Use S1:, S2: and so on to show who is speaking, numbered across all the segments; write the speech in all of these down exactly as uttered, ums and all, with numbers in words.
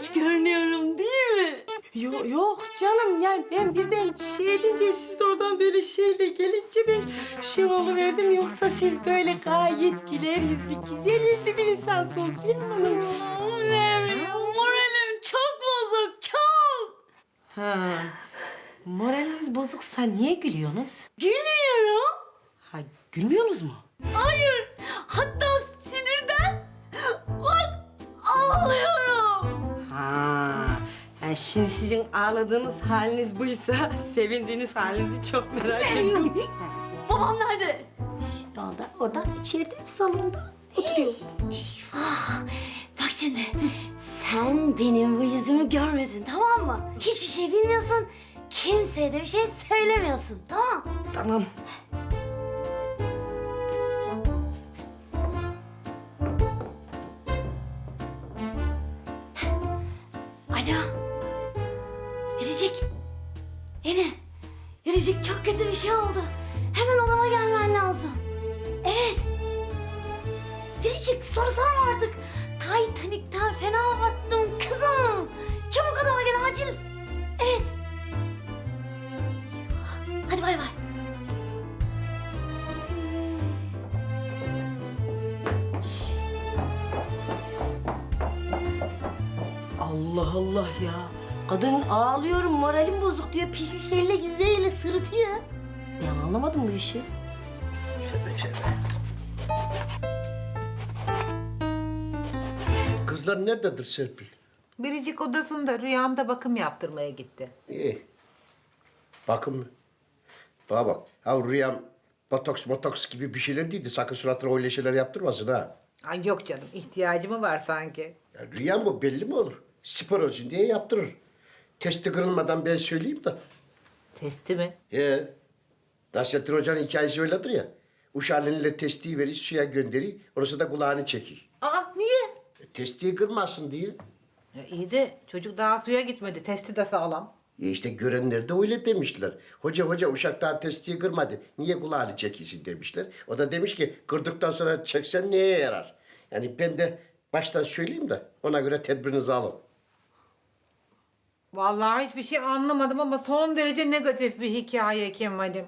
S1: genç görünüyorum değil mi?
S2: Yok yok canım, yani ben birden şey edince siz de oradan böyle şeyle gelince ben şey oluverdim. Yoksa siz böyle gayet güler yüzlü, güzel yüzlü bir insansınız Rüyam Hanım.
S1: Benim moralim çok bozuk, çok.
S2: Ha, moraliniz bozuksa niye gülüyorsunuz?
S1: Gülmüyorum.
S2: Ha, gülmüyorsunuz mu?
S1: Hayır, hatta sinirden bak ağlıyorum.
S2: Ha, ha, şimdi sizin ağladığınız haliniz buysa sevindiğiniz halinizi çok merak ediyorum.
S1: Babam nerede?
S2: Orada, orada içeride salonda oturuyor.
S1: Eyvah! Bak şimdi, sen benim bu yüzümü görmedin, tamam mı? Hiçbir şey bilmiyorsun, kimseye de bir şey söylemiyorsun, tamam?
S2: Tamam.
S1: Alo, Biricik. Yine, Biricik çok kötü bir şey oldu. Hemen odama gelmen lazım. Evet. Biricik, soru sorma artık. Titanic'ten fena battım kızım. Çabuk odama gel acil. Evet. Hadi bay bay.
S2: Allah Allah ya. Kadın ağlıyorum, moralim bozuk diyor. Pişmişlerle gibi böyle sırıtıyor. Ben anlamadım bu işi.
S3: Kızlar nerededir Serpil?
S4: Biricik odasında rüyamda bakım yaptırmaya gitti.
S3: İyi. Bakın mı? Bana bak. Ha rüyam botoks motoks gibi bir şeyler değildi. Sakın suratına öyle şeyler yaptırmasın ha.
S4: Ay yok canım, ihtiyacı mı var sanki?
S3: Ya rüyam bu belli mi olur? Spor olsun diye yaptırır. Testi kırılmadan ben söyleyeyim de.
S4: Testi mi?
S3: He. Nasrettin Hoca'nın hikayesi öyledir ya. Uşağıyla testiyi verir, suya gönderir. Orası da kulağını çekir.
S4: Aa niye?
S3: E, testiyi kırmasın diye.
S4: Ya iyi de çocuk daha suya gitmedi, testi de sağlam.
S3: E işte görenler de öyle demişler. Hoca hoca uşak daha testiyi kırmadı. Niye kulağını çekilsin demişler. O da demiş ki kırdıktan sonra çeksen neye yarar? Yani ben de baştan söyleyeyim de ona göre tedbirinizi alın.
S4: Vallahi hiçbir şey anlamadım ama son derece negatif bir hikaye Kemal'im.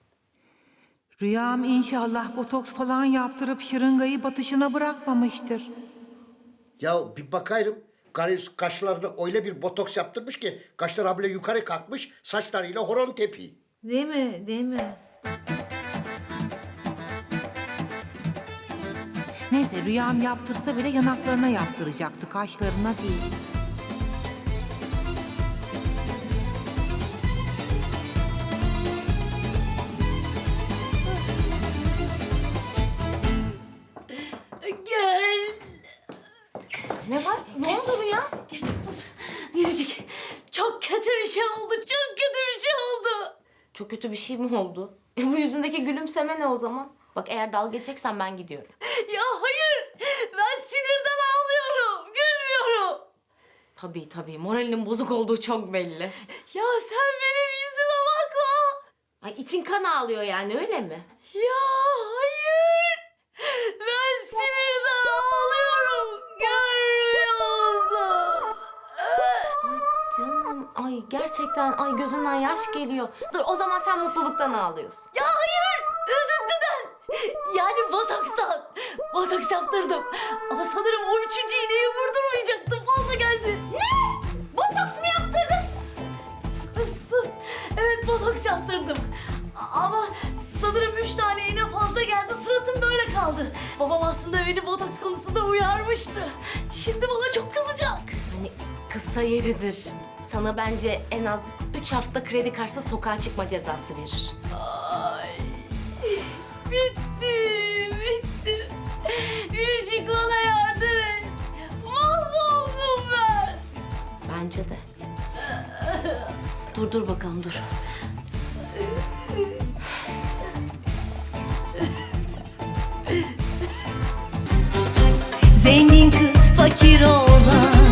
S4: Rüyam inşallah botoks falan yaptırıp şırıngayı batışına bırakmamıştır.
S3: Ya bir bakayım. Karı kaşlarına öyle bir botoks yaptırmış ki kaşlar habire yukarı kalkmış saçlarıyla horon tepi.
S4: Değil mi? Değil mi? Neyse rüyam yaptırsa bile yanaklarına yaptıracaktı, kaşlarına değil.
S1: Gel.
S5: Ne var? Ne oldu Rüya?
S1: Gel sus. Biricik, çok kötü bir şey oldu, çok kötü bir şey oldu.
S5: Çok kötü bir şey mi oldu? E, bu yüzündeki gülümseme ne o zaman? Bak eğer dalga geçeceksen ben gidiyorum.
S1: Ya hayır, ben sinirden ağlıyorum, gülmüyorum.
S5: Tabii tabii moralinin bozuk olduğu çok belli.
S1: Ya sen benim yüzüme bakma.
S5: Ay için kan ağlıyor yani öyle mi?
S1: Ya hayır, ben sinirden ağlıyorum, görmüyor musun?
S5: Ay canım ay gerçekten ay gözünden yaş geliyor. Dur o zaman sen mutluluktan ağlıyorsun.
S1: Ya hayır, üzüntüden. Yani botokstan. Botoks yaptırdım. Ama sanırım o üçüncü iğneyi vurdurmayacaktım, fazla geldi.
S5: Ne? Botoks mu yaptırdın?
S1: Sus, sus. Evet, botoks yaptırdım. A- Ama sanırım üç tane iğne fazla geldi, suratım böyle kaldı. Babam aslında beni botoks konusunda uyarmıştı. Şimdi bana çok kızacak.
S5: Hani kısa yeridir. Sana bence en az üç hafta kredi karşısı sokağa çıkma cezası verir.
S1: Ay, bitti, bitti. Biricik bana yardım et. Mahvoldum ben.
S5: Bence de. Dur dur bakalım dur.
S6: Zengin kız fakir oğlan